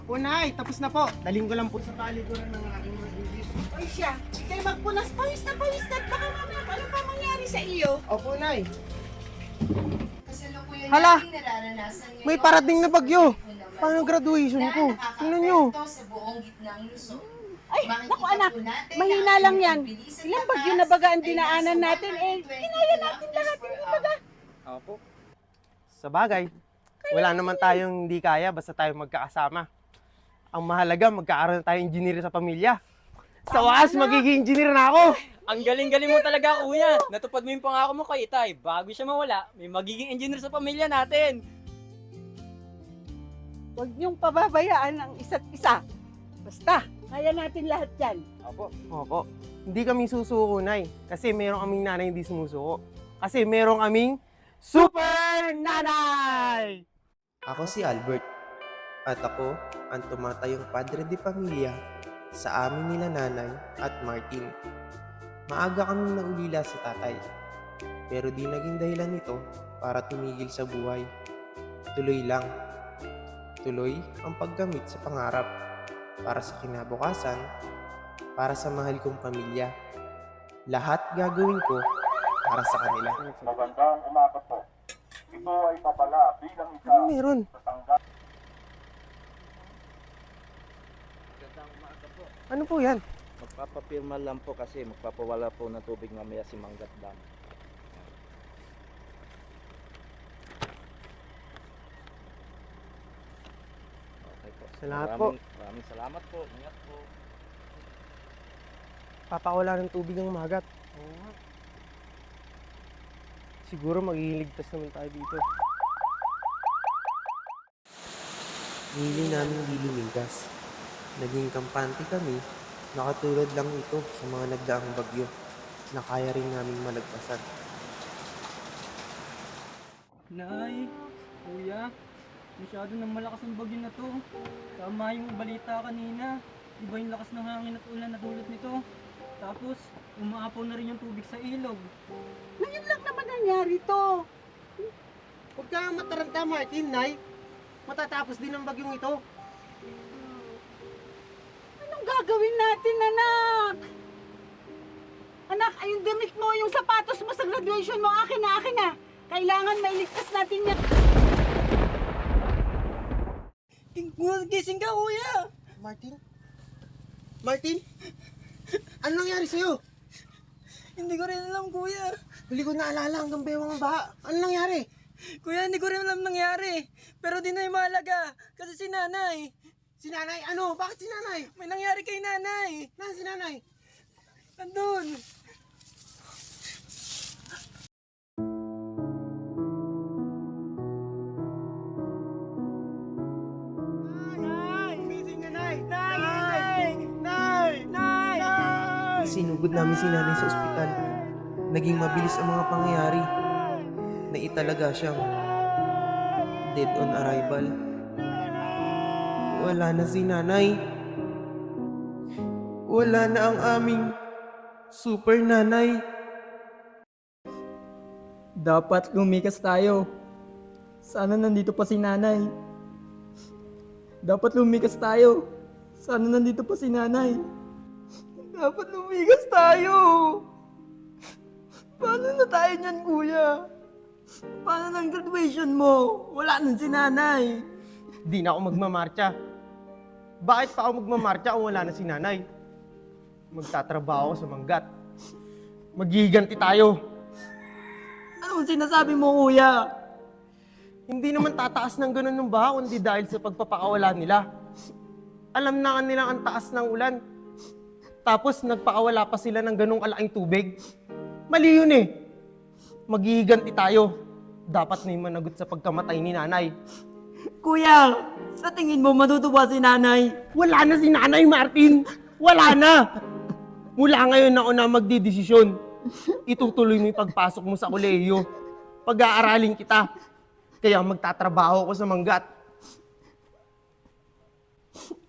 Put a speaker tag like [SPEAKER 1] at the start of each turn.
[SPEAKER 1] Opo, Nay. Tapos na po. Daling ko lang po sa talikuran ng aking mga bibis.
[SPEAKER 2] Oy siya, kaya magpunas, pawis na at baka mamaya ano pa mangyari sa iyo?
[SPEAKER 1] Opo, Nay.
[SPEAKER 3] Kasalukuyan
[SPEAKER 1] Hala!
[SPEAKER 3] nating nararanasan ngayon
[SPEAKER 1] May parating na
[SPEAKER 3] ang
[SPEAKER 1] bagyo.
[SPEAKER 3] susunod na naman
[SPEAKER 1] Paano graduation
[SPEAKER 3] na
[SPEAKER 1] ko?
[SPEAKER 3] nakakaapekto
[SPEAKER 1] Tingnan nyo.
[SPEAKER 3] sa buong gitnang Luzon.
[SPEAKER 2] Ay,
[SPEAKER 3] Makikita
[SPEAKER 2] naku anak,
[SPEAKER 3] po natin
[SPEAKER 2] mahina
[SPEAKER 3] na
[SPEAKER 2] lang
[SPEAKER 3] ang
[SPEAKER 2] yan.
[SPEAKER 3] bilis at
[SPEAKER 2] Ilang
[SPEAKER 3] takas
[SPEAKER 2] bagyo na baga ang
[SPEAKER 3] ay
[SPEAKER 2] dinaanan
[SPEAKER 3] nasa
[SPEAKER 2] natin,
[SPEAKER 3] 120
[SPEAKER 2] kinaya natin
[SPEAKER 3] kilometers
[SPEAKER 2] lahat,
[SPEAKER 3] per
[SPEAKER 2] hindi
[SPEAKER 3] hour.
[SPEAKER 2] baga?
[SPEAKER 1] Opo. Sa bagay, wala naman tayong hindi kaya basta tayo magkakasama. Ang mahalaga, magkakaroon tayong engineer sa pamilya. Sa wakas, magiging engineer na ako.
[SPEAKER 4] Ang galing-galing mo talaga, kuya. Natupad mo yung pangako mo kay Itay. Bago siya mawala, may magiging engineer sa pamilya natin.
[SPEAKER 2] Huwag niyong pababayaan ang isa't isa. Basta, kaya natin lahat yan.
[SPEAKER 1] Opo. Hindi kami susuko, Nay. Kasi meron kaming nanay hindi sumusuko. Kasi meron kaming super nanay!
[SPEAKER 5] Ako si Albert at ako ang tumatayong padre de pamilya sa amin nila nanay at Martin. Maaga kaming naulila sa tatay, pero di naging dahilan nito para tumigil sa buhay. Tuloy lang. Tuloy ang paggamit sa pangarap para sa kinabukasan, para sa mahal kong pamilya. Lahat gagawin ko para sa kanila.
[SPEAKER 6] Magandang umaga po. Ito ay papala bilang isa
[SPEAKER 1] Ano meron?
[SPEAKER 6] sa tanggap.
[SPEAKER 1] Ano po yan?
[SPEAKER 7] Magpapapirma lang po kasi magpapawala po ng tubig mamaya si Mangat Dam. Okay po.
[SPEAKER 1] Salamat po.
[SPEAKER 7] Maraming salamat po. Ingat po.
[SPEAKER 1] Papakawala ng tubig ang magat. Oo nga. Siguro magiging ligtas naman tayo dito.
[SPEAKER 5] Nili namin di lumigas. Naging kampante kami na katulad lang ito sa mga nagdaang bagyo na kaya rin naming malagpasan.
[SPEAKER 4] Nay, kuya, masyado nang malakas ang bagyo na to. Tama yung balita kanina. Iba yung lakas ng hangin at ulan na dulot nito. Tapos, umaapaw na rin yung tubig sa ilog.
[SPEAKER 2] Ngayon lang naman nangyari to.
[SPEAKER 1] Huwag ka mataranta, Martin, Nay. Matatapos din ang bagyong ito.
[SPEAKER 2] Anong gagawin natin, anak? Anak, ay yung damit mo, yung sapatos mo sa graduation mo, akin na. Kailangan mailigtas natin yan.
[SPEAKER 4] Gising ka, kuya!
[SPEAKER 1] Martin? Martin? Ano nangyari sa'yo?
[SPEAKER 4] Hindi ko rin alam, kuya.
[SPEAKER 1] Huli ko naalala hanggang bewang ang baha. Ano nangyari?
[SPEAKER 4] Kuya, hindi ko rin alam nangyari. Pero di na yung mahalaga. Kasi si nanay.
[SPEAKER 1] Si nanay? Ano? Bakit si nanay?
[SPEAKER 4] May nangyari kay nanay.
[SPEAKER 1] Nasaan si nanay?
[SPEAKER 4] Andun.
[SPEAKER 1] Nay! Gising na, Nay! Nay! Nay! Nay!
[SPEAKER 5] Sinugod namin si nanay sa ospital. Naging mabilis ang mga pangyayari. Naitalaga siyang dead on arrival. Wala na si nanay. Wala na ang aming super nanay.
[SPEAKER 4] Dapat lumikas tayo. Sana nandito pa si nanay. Dapat lumikas tayo. Sana nandito pa si nanay. Dapat lumikas tayo. Paano na tayo niyan, kuya? Paano ng graduation mo? Wala na si nanay.
[SPEAKER 1] Di na ako magmamarcha. Bakit pa ako magmamarcha kung wala na si nanay? Magtatrabaho ako sa manggat. Magiganti tayo.
[SPEAKER 4] Anong sinasabi mo, kuya?
[SPEAKER 1] Hindi naman tataas ng ganun ng baha kundi dahil sa pagpapakawala nila. Alam na nilang ang taas ng ulan. Tapos nagpakawala pa sila ng ganung kalaking tubig. Mali yun eh. Magiganti tayo. Dapat na yung managot sa pagkamatay ni nanay.
[SPEAKER 4] Kuya, sa tingin mo matutuwa si nanay?
[SPEAKER 1] Wala na si nanay, Martin! Wala na! Mula ngayon na ako na magdidesisyon. Itutuloy mo yung pagpasok mo sa kolehiyo. Pag-aaralin kita. Kaya magtatrabaho ako sa manggat.